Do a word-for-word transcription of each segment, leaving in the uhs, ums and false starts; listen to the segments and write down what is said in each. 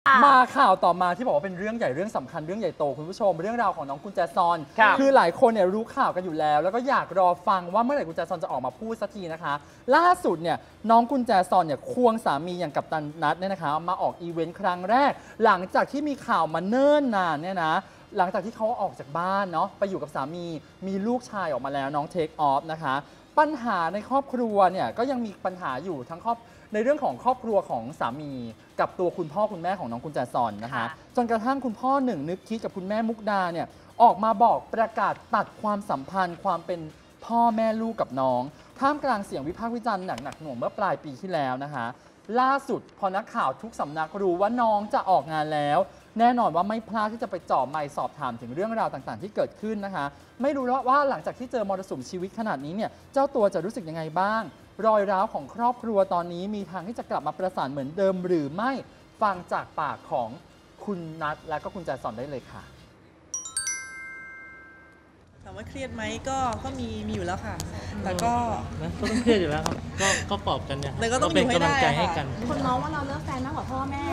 มาข่าวต่อมาที่บอกว่าเป็นเรื่องใหญ่เรื่องสำคัญเรื่องใหญ่โตคุณผู้ชมเรื่องราวของน้องกุญแจซอนคือหลายคนเนี่ยรู้ข่าวกันอยู่แล้วแล้วก็อยากรอฟังว่าเมื่อไหร่กุญแจซอนจะออกมาพูดสักทีนะคะล่าสุดเนี่ยน้องกุญแจซอนเนี่ยควงสามีอย่างกัปตันนัทเนี่ยนะคะมาออกอีเวนต์ครั้งแรกหลังจากที่มีข่าวมาเนิ่นนานเนี่ยนะหลังจากที่เขาออกจากบ้านเนาะไปอยู่กับสามีมีลูกชายออกมาแล้วน้องเทคออฟนะคะปัญหาในครอบครัวเนี่ยก็ยังมีปัญหาอยู่ทั้งครอบในเรื่องของครอบครัวของสามีกับตัวคุณพ่อคุณแม่ของน้องกุญแจซอนนะคะจนกระทั่งคุณพ่อหนึ่งนึกคิดกับคุณแม่มุกดาเนี่ยออกมาบอกประกาศตัดความสัมพันธ์ความเป็นพ่อแม่ลูกกับน้องท่ามกลางเสียงวิพากษ์วิจารณ์หนักหนักหน่วงเมื่อปลายปีที่แล้วนะคะล่าสุดพอนักข่าวทุกสำนักรู้ว่าน้องจะออกงานแล้วแน่นอนว่าไม่พลาดที่จะไปจ่อไมค์สอบถามถึงเรื่องราวต่างๆที่เกิดขึ้นนะคะไม่รู้ว่าหลังจากที่เจอมรสุมชีวิตขนาดนี้เนี่ยเจ้าตัวจะรู้สึกยังไงบ้างรอยร้าวของครอบครัวตอนนี้มีทางที่จะกลับมาประสานเหมือนเดิมหรือไม่ฟังจากปากของคุณนัทและก็คุณแจซอนได้เลยค่ะถามว่าเครียดไหมก็ก็มีมีอยู่แล้วค่ะแต่ก็นะก็ต้องเครียดอยู่แล้วครับก็ก็ปลอบกันเนี่ยแต่ก็ต้องเป็นกำลังใจให้กันคนมองว่าเราเลิกแฟนมากกว่าพ่อแม่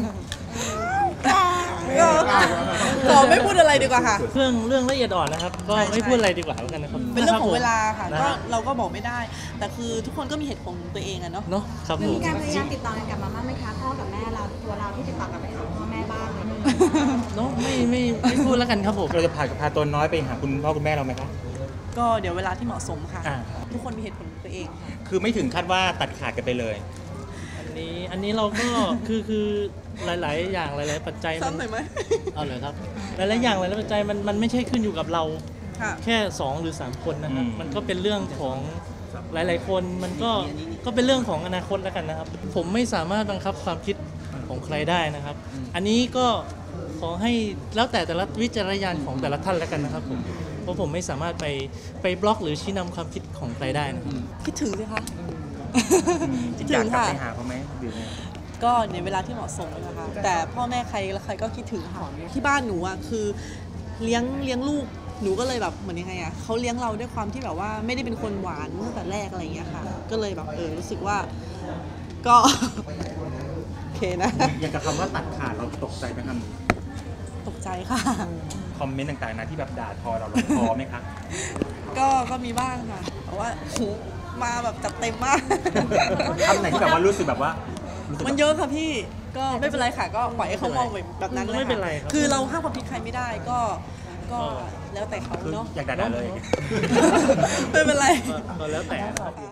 ก็ไม่พูดอะไรดีกว่าค่ะเรื่องเรื่องละเอียดอ่อนนะครับก็ไม่พูดอะไรดีกว่าแล้วกันนะครับเป็นเรื่องของเวลาค่ะก็เราก็บอกไม่ได้แต่คือทุกคนก็มีเหตุผลของตัวเองอะเนาะเนาะครับผมมีการพยายามติดต่อกันกลับมาบ้างไหมคะพ่อกับแม่เราตัวเราที่ติดต่อกลับไปหาพ่อแม่บ้างเลยเนาะไม่ไม่ไม่พูดแล้วกันครับผมเราจะพากับพาตัวน้อยไปหาคุณพ่อคุณแม่เราไหมครับก็เดี๋ยวเวลาที่เหมาะสมค่ะทุกคนมีเหตุผลของตัวเองค่ะคือไม่ถึงคาดว่าตัดขาดกันไปเลยอันนี้อันนี้เราก็คือคือหลายๆอย่างหลายๆปัจจัยซ้ำหน่อยไหมเอาเลยครับหลายๆอย่างหลายๆปัจจัยมันมันไม่ใช่ขึ้นอยู่กับเราแค่สองหรือสามคนนะครับมันก็เป็นเรื่องของหลายๆคนมันก็ก็เป็นเรื่องของอนาคตแล้วกันนะครับผมไม่สามารถบังคับความคิดของใครได้นะครับอันนี้ก็ขอให้แล้วแต่แต่ละวิจารณญาณของแต่ละท่านแล้วกันนะครับผมเพราะผมไม่สามารถไปไปบล็อกหรือชี้นำความคิดของใครได้นะครับคิดถึงสิคะคิดถึงค่ะไปหาเขาไหมหรือไงก็ในเวลาที่เหมาะสมนะคะแต่พ่อแม่ใครและใครก็คิดถึงค่ะที่บ้านหนูอ่ะคือเลี้ยงเลี้ยงลูกหนูก็เลยแบบเหมือนยังไงอ่ะเขาเลี้ยงเราด้วยความที่แบบว่าไม่ได้เป็นคนหวานตั้งแต่แรกอะไรอย่างเงี้ยค่ะก็เลยแบบเออรู้สึกว่าก็โอเคนะอย่างกับคำว่าตัดขาดเราตกใจไหมครับตกใจค่ะคอมเมนต์ต่างๆนะที่แบบด่าทอเราเราพอไหมคะก็ก็มีบ้างค่ะเพราะว่าโหมาแบบจัดเต็มมากคำไหนที่แบบว่ารู้สึกแบบว่ามันเยอะค่ะพี่ก็ไม่เป็นไรค่ะก็ปล่อยให้เขามองแบบนั้นเลยค่ะคือเราห้ามความผิดใครไม่ได้ก็ก็แล้วแต่เขาเนาะอยากด่าเลยไม่เป็นไรก็แล้วแต่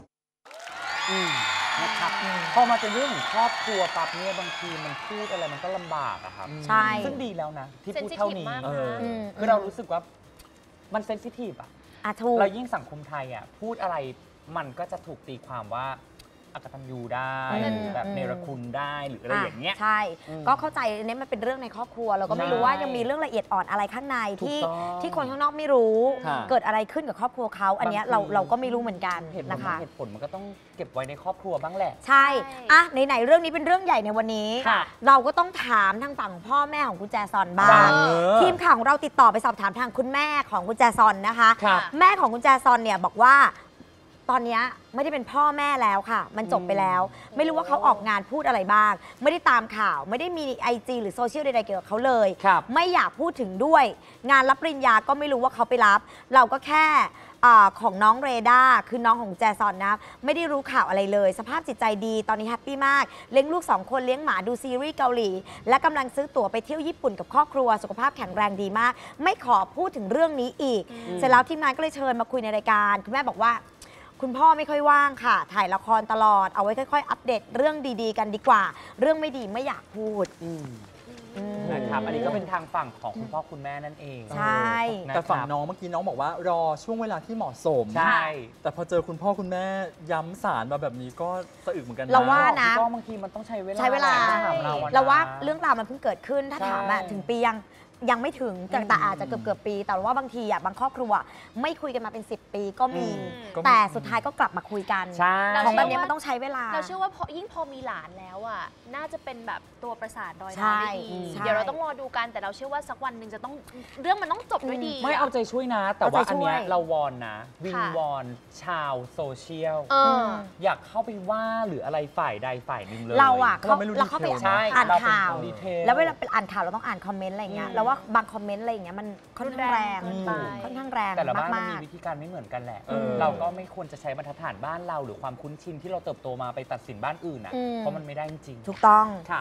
นะครับพอมาเป็นเรื่องของครอบครัวปั๊บเนี่ยบางทีมันพูดอะไรมันก็ลำบากอะครับใช่ซึ่งดีแล้วนะที่พูดเท่านี้คือเรารู้สึกว่ามันเซนซิทีฟอะเรายิ่งสังคมไทยอะพูดอะไรมันก็จะถูกตีความว่าอกตัญญูได้แบบเนรคุณได้หรืออะไรอย่างเงี้ยใช่ก็เข้าใจเนี่ยมันเป็นเรื่องในครอบครัวเราก็ไม่รู้ว่ายังมีเรื่องละเอียดอ่อนอะไรข้างในที่ที่คนข้างนอกไม่รู้เกิดอะไรขึ้นกับครอบครัวเขาอันนี้เราเราก็ไม่รู้เหมือนกันนะคะเหตุผลมันก็ต้องเก็บไว้ในครอบครัวบ้างแหละใช่อะไหนๆเรื่องนี้เป็นเรื่องใหญ่ในวันนี้เราก็ต้องถามทางฝั่งพ่อแม่ของคุณแจซอนบ้างทีมข่าวของเราติดต่อไปสอบถามทางคุณแม่ของคุณแจซอนนะคะแม่ของคุณแจซอนเนี่ยบอกว่าตอนนี้ไม่ได้เป็นพ่อแม่แล้วค่ะมันจบไปแล้วไม่รู้ว่าเขาออกงานพูดอะไรบ้างไม่ได้ตามข่าวไม่ได้มี ไอ จี หรือโซเชียลใดๆเกี่ยวกับเขาเลยไม่อยากพูดถึงด้วยงานรับปริญญาก็ไม่รู้ว่าเขาไปรับเราก็แค่ของน้องเรดาคือน้องของแจซอนนะไม่ได้รู้ข่าวอะไรเลยสภาพจิตใจดีตอนนี้แฮปปี้มากเลี้ยงลูกสองคนเลี้ยงหมาดูซีรีส์เกาหลีและกำลังซื้อตั๋วไปเที่ยวญี่ปุ่นกับครอบครัวสุขภาพแข็งแรงดีมากไม่ขอพูดถึงเรื่องนี้อีกเสร็จแล้วทีมงานก็เลยเชิญมาคุยในรายการคุณแม่บอกว่าคุณพ่อไม่ค่อยว่างค่ะถ่ายละครตลอดเอาไว้ค่อยๆอัปเดตเรื่องดีๆกันดีกว่าเรื่องไม่ดีไม่อยากพูดนะครับอันนี้ก็เป็นทางฝั่งของคุณพ่อคุณแม่นั่นเองใช่แต่ฝั่งน้องเมื่อกี้น้องบอกว่ารอช่วงเวลาที่เหมาะสมใช่แต่พอเจอคุณพ่อคุณแม่ย้ำสารมาแบบนี้ก็สะอึกเหมือนกันนะเราว่านะก็บางทีมันต้องใช้เวลาใช้เวลาเราว่าเรื่องราวมันเพิ่งเกิดขึ้นถ้าถามถึงปียังยังไม่ถึงแต่แต่อาจจะเกือบเกือบปี แต่ว่าบางทีอ่ะบางครอบครัวไม่คุยกันมาเป็นสิบปีก็มีก็มีแต่สุดท้ายก็กลับมาคุยกันใช่ของแบบนี้มันต้องใช้เวลาเราเชื่อว่าพอยิ่งพอมีหลานแล้วอ่ะน่าจะเป็นแบบตัวประสานรอยใช่ร้าวได้ดีใช่เดี๋ยวเราต้องรอดูกันแต่เราเชื่อว่าสักวันหนึ่งจะต้องเรื่องมันต้องจบด้วยดีไม่เอาใจช่วยนะ แต่ว่าเอาใจช่วยอันเนี้ยเราวอนนะ วิงค่ะวอนชาวโซเชียลเอออยากเข้าไปว่าหรืออะไรฝ่ายใดฝ่ายหนึ่งเลยเราอ่ะเราไม่รู้เราเข้าไปดีเทลใช่อ่านเราเป็นข่าวคนดีเทลแล้วเวลาเป็นอ่านข่าวเราต้องอ่านคอมเมนต์อะไรอย่างเงี้ยแล้วว่าบางคอมเมนต์อะไรอย่างเงี้ยมันค่อนข้างแรงรุนแรงเกินไปค่อนข้างแรงแต่ละบ้านมันมามีกวิธีการไม่เหมือนกันแหละเออเราก็ไม่ควรจะใช้บรรทัดฐานบ้านเราหรือความคุ้นชินที่เราเติบโตมาไปตัดสินบ้านอื่นอ่ะอืมเพราะมันไม่ได้จริงๆถูกต้องค่ะ